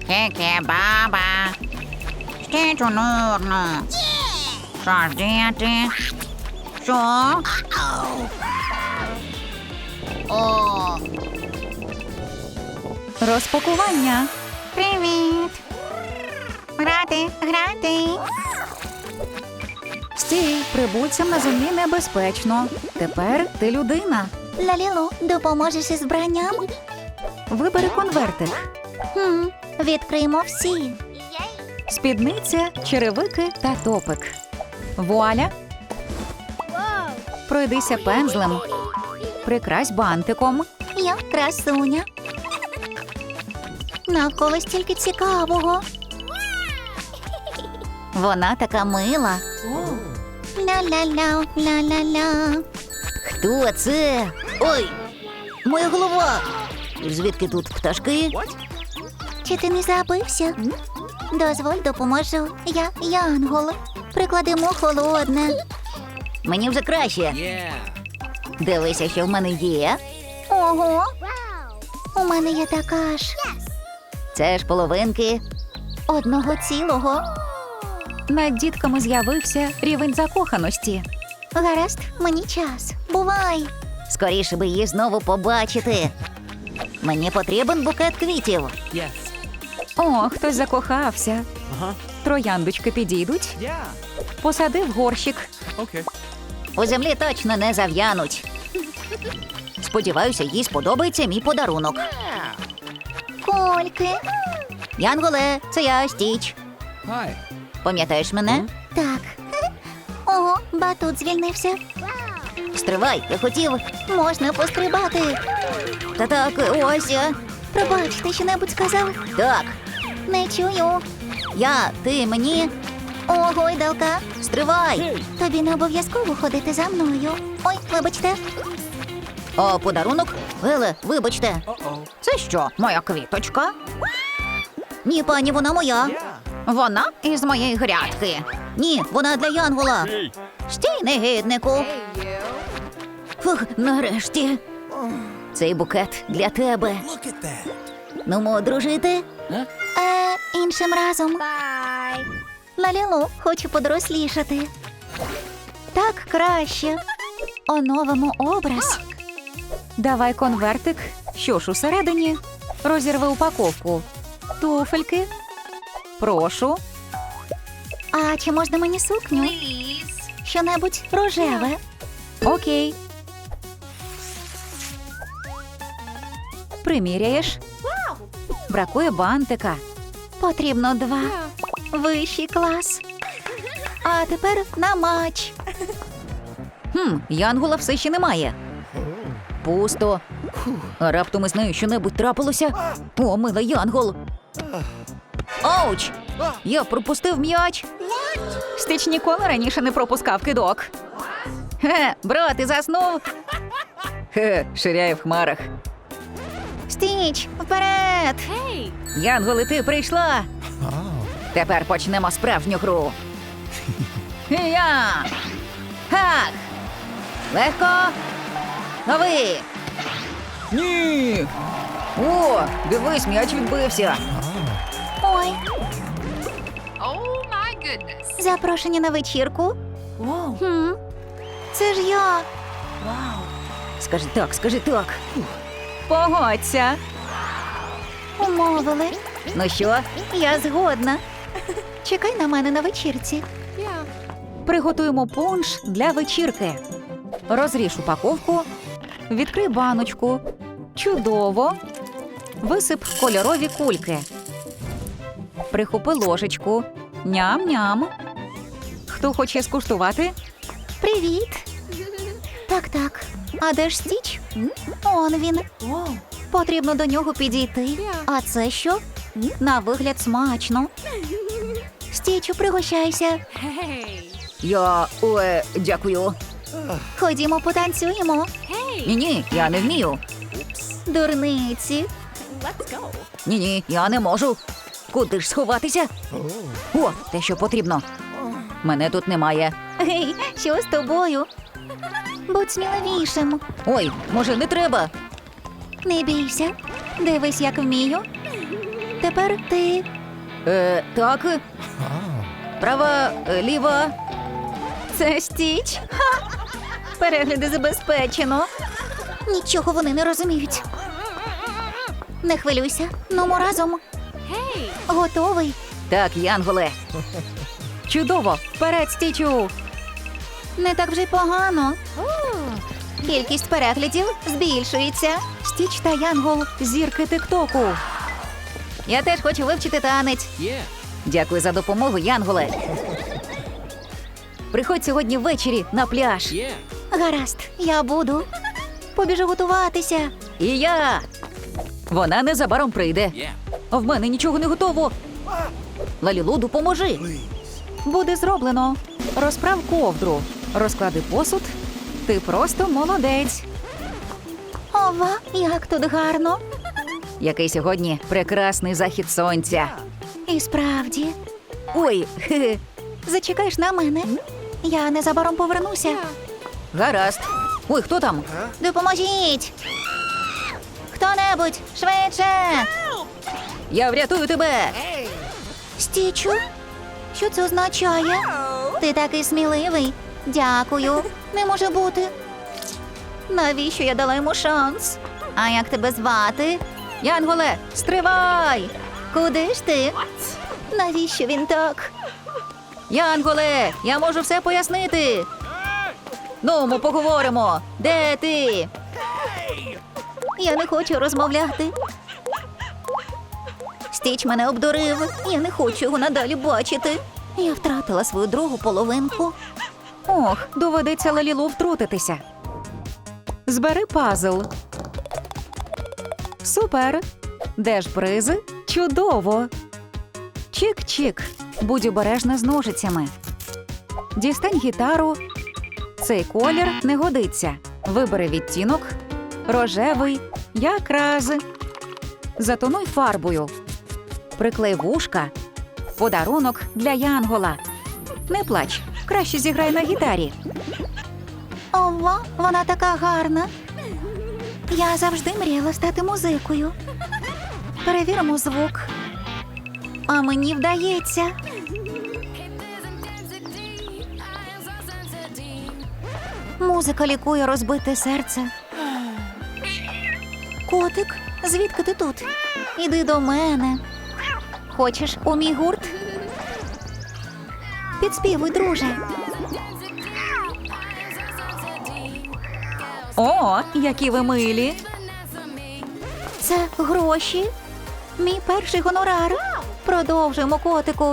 Ке-ке-баба. Стічу нурну. Що ж діяти? Що? О. Розпакування. Привіт. Грати. Стій, прибульцям на землі небезпечно. Тепер ти людина. Лалілу, допоможеш із вбранням? Вибери конвертик. Відкриємо всі. Спідниця, черевики та топик. Вуаля! Пройдися пензлем. Прикрась бантиком. Я красуня. Навколо стільки цікавого. Вона така мила. Ля-ля-ля, ля-ля-ля. Хто це? Ой, моя голова. Звідки тут пташки? Чи ти не забився? Дозволь, допоможу. Я Янгол. Прикладемо холодне. Мені вже краще. Дивися, що в мене є. Ого. У мене є така ж. Це ж половинки одного цілого. Над дітками з'явився рівень закоханості. Гаразд, мені час. Бувай. Скоріше би її знову побачити. Мені потрібен букет квітів. О, хтось закохався. Трояндочки підійдуть. Посади в горщик. У землі точно не зав'януть. Сподіваюся, їй сподобається мій подарунок. Кольки. Янголе, це я, Стіч. Пам'ятаєш мене? Так. Ого, батут звільнився. Стривай, я хотів. Можна пострибати. Та так, ось я. Пробач, ти що-небудь сказав? Так. Не чую. Ти, мені. О, гойдалка. Стривай. Тобі не обов'язково ходити за мною. Ой, вибачте. О, подарунок? Еле, вибачте. Це що, моя квіточка? Ні, пані, вона моя. Вона із моєї грядки. Ні, вона для Янгола. Стій, негіднику. Фух, нарешті. Цей букет для тебе. Ну, дружити? Іншим разом. Лалілу, хочу подорослішати. Так краще. Оновимо образ. Давай конвертик. Що ж усередині? Розірви упаковку. Туфельки. Прошу. А чи можна мені сукню? Що-небудь рожеве. Окей. Приміряєш? Бракує бантика. Потрібно 2. Вищий клас. А тепер на матч. Янгола все ще немає. Пусто. А раптом із нею що-небудь трапилося? О, мила Янгол. Ауч! Я пропустив м'яч. Стич ніколи раніше не пропускав кидок. Брат, ти заснув? Ширяє в хмарах. Стіч, вперед! Янголи, ти прийшла. Тепер почнемо справжню гру. Я! Хак! Легко! Новий! Ні! О, дивись, м'яч відбився. Ой. Запрошення на вечірку? Це ж я. Скажи так. Погодься. Умовили. Ну що? Я згодна. Чекай на мене на вечірці. Приготуємо пунш для вечірки. Розріж упаковку, відкрий баночку. Чудово. Висип кольорові кульки. Прихопи ложечку. Ням-ням. Хто хоче скуштувати? Привіт. Так. А де ж Стіч? Он він. Потрібно до нього підійти. А це що? На вигляд смачно. Стічу, пригощайся. Дякую. Ходімо, потанцюємо. Ні, я не вмію. Дурниці. Ні, я не можу. Куди ж сховатися? О, те, що потрібно. Мене тут немає. Гей, що з тобою? Будь сміливішим. Ой, може, не треба? Не бійся. Дивись, як вмію. Тепер ти. Так. Права, ліва. Це Стіч. Ха! Перегляди забезпечено. Нічого вони не розуміють. Не хвилюйся, нумо разом. Готовий? Так, Янголе. Чудово! Вперед, Стічу! Не так вже й погано. Кількість переглядів збільшується. Стіч та Янгол – зірки Тиктоку. Я теж хочу вивчити танець. Дякую за допомогу, Янголе. Приходь сьогодні ввечері на пляж. Гаразд, я буду. Побіжу готуватися. І я. Вона незабаром прийде. В мене нічого не готово. Лалілу, допоможи. Буде зроблено. Розправ ковдру. Розклади посуд. Ти просто молодець. Ова, як тут гарно. Який сьогодні прекрасний захід сонця. І справді. Ой, хе-хе. Зачекаєш на мене? Я незабаром повернуся. Гаразд. Ой, хто там? Допоможіть! Хто-небудь, швидше! Я врятую тебе. Стічу? Що це означає? Ти такий сміливий. Дякую. Не може бути. Навіщо я дала йому шанс? А як тебе звати? Янголе, стривай! Куди ж ти? Навіщо він так? Янголе, я можу все пояснити. Ну, ми поговоримо. Де ти? Я не хочу розмовляти. Стіч мене обдурив. Я не хочу його надалі бачити. Я втратила свою другу половинку. Ох, доведеться Лалілу втрутитися. Збери пазл. Супер. Де ж призи? Чудово. Чик-чик. Будь обережна з ножицями. Дістань гітару. Цей колір не годиться. Вибери відтінок. Рожевий. Якраз. Затонуй фарбою. Приклей вушка. Подарунок для Янгола. Не плач. Краще зіграй на гітарі. Ова, вона така гарна. Я завжди мріяла стати музикою. Перевіримо звук. А мені вдається. Музика лікує розбите серце. Котик, звідки ти тут? Іди до мене. Хочеш у мій гурт? Підспівуй, друже. О, які ви милі. Це гроші. Мій перший гонорар. Продовжуємо, котику.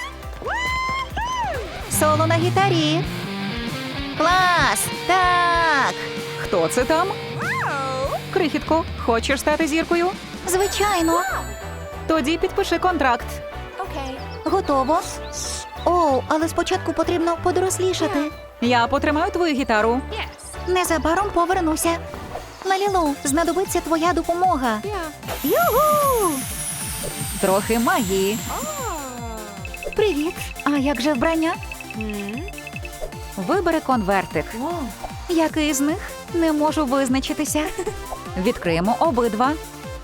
Соло на гітарі. Клас! Так! Хто це там? Крихітко, хочеш стати зіркою? Звичайно. Тоді підпиши контракт. Готово. О, але спочатку потрібно подорослішати. Я потримаю твою гітару. Незабаром повернуся. Лалілу, знадобиться твоя допомога. Югу! Трохи магії. Привіт. А як же вбрання? Вибери конвертик. Який з них? Не можу визначитися. Відкриємо обидва.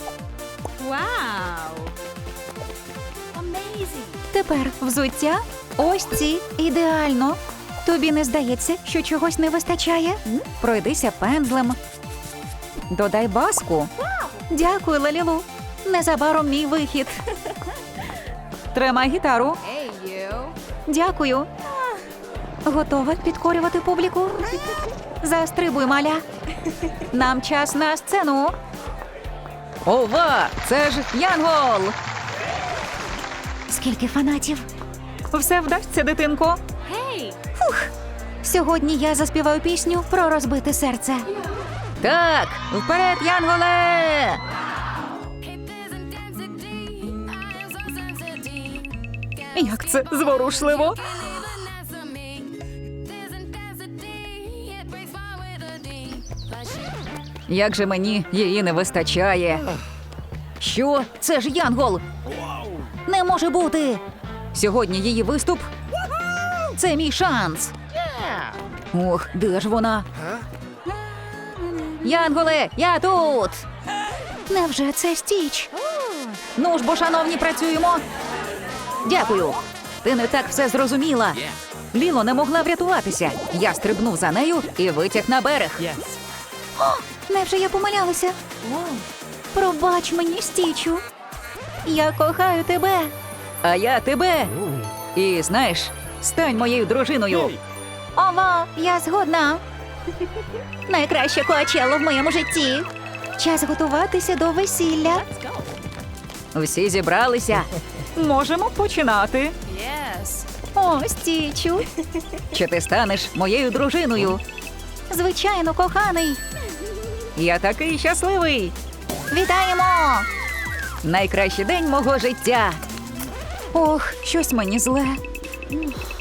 Тепер взуття ось ці. Ідеально. Тобі не здається, що чогось не вистачає? Пройдися пензлем. Додай баску. Дякую, Лалілу. Незабаром мій вихід. Тримай гітару. Дякую. Готова підкорювати публіку? Застрибуй, маля. Нам час на сцену. Ова! Це ж Янгол! Скільки фанатів. Все вдасться, дитинко. Сьогодні я заспіваю пісню про розбите серце. Так, вперед, Янголе! Як це зворушливо. Як же мені її не вистачає. Що? Це ж Янгол! Не може бути. Сьогодні її виступ. Це мій шанс. Ох, де ж вона? Янголе, я тут! Невже це Стіч? Ну ж бо, шановні, працюємо. Дякую. Ти не так все зрозуміла. Ліло не могла врятуватися. Я стрибнув за нею і витяг на берег. Невже я помилялася? Пробач мені, Стічу. Я кохаю тебе. А я тебе. І знаєш, стань моєю дружиною. Ова, я згодна. Найкраще Коачелло в моєму житті. Час готуватися до весілля. Всі зібралися. Можемо починати. О, Стічу. Чи ти станеш моєю дружиною? Звичайно, коханий. Я такий щасливий. Вітаємо! Найкращий день мого життя. Ох, щось мені зле.